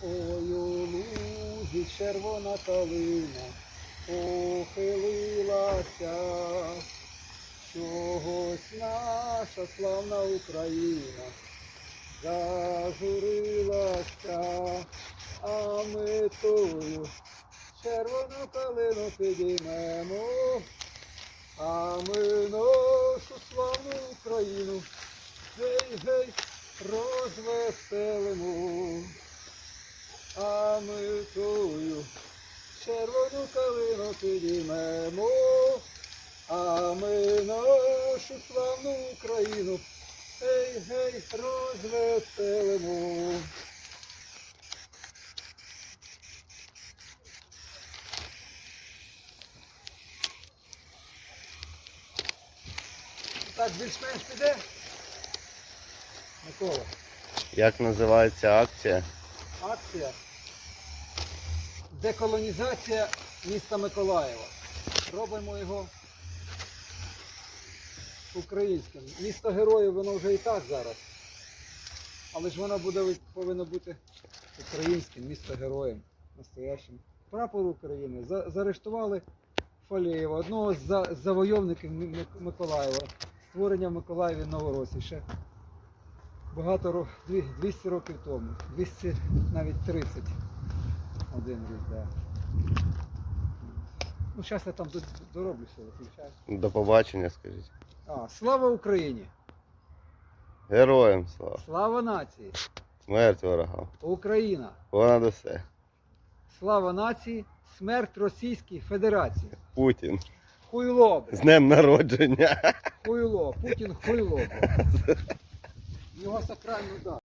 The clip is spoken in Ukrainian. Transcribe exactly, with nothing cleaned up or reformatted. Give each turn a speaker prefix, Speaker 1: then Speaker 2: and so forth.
Speaker 1: Ой, у лузі червона калина похилилася, чогось наша славна Україна зажурилася, а ми тою червону калину підіймемо, а ми нашу славну Україну гей-гей розвеселимо. А ми тою червону калину підіймемо, а ми нашу славну Україну гей-гей розвеселимо. Так, більш-менш піде? Микола.
Speaker 2: Як називається акція?
Speaker 1: Акція деколонізація міста Миколаєва. Робимо його українським. Місто героїв, воно вже і так зараз. Але ж воно буде, повинно бути українським, місто героєм, настоящим. Прапор України. За, заарештували Фалєєва, одного з за, завойовників Миколаєва. Створення в Миколаєві Новоросії ще багато, двісті років тому. двісті, навіть тридцять. Один рік, так. Ну, зараз я там дороблю все, виключаю.
Speaker 2: До побачення, скажіть.
Speaker 1: А, слава Україні!
Speaker 2: Героям слава!
Speaker 1: Слава нації!
Speaker 2: Смерть ворогам!
Speaker 1: Україна!
Speaker 2: Понад усе!
Speaker 1: Слава нації! Смерть Російській Федерації!
Speaker 2: Путін!
Speaker 1: Хуйло! Бля.
Speaker 2: З днем народження!
Speaker 1: Хуйло! Путін хуйло! Його сакральну дату.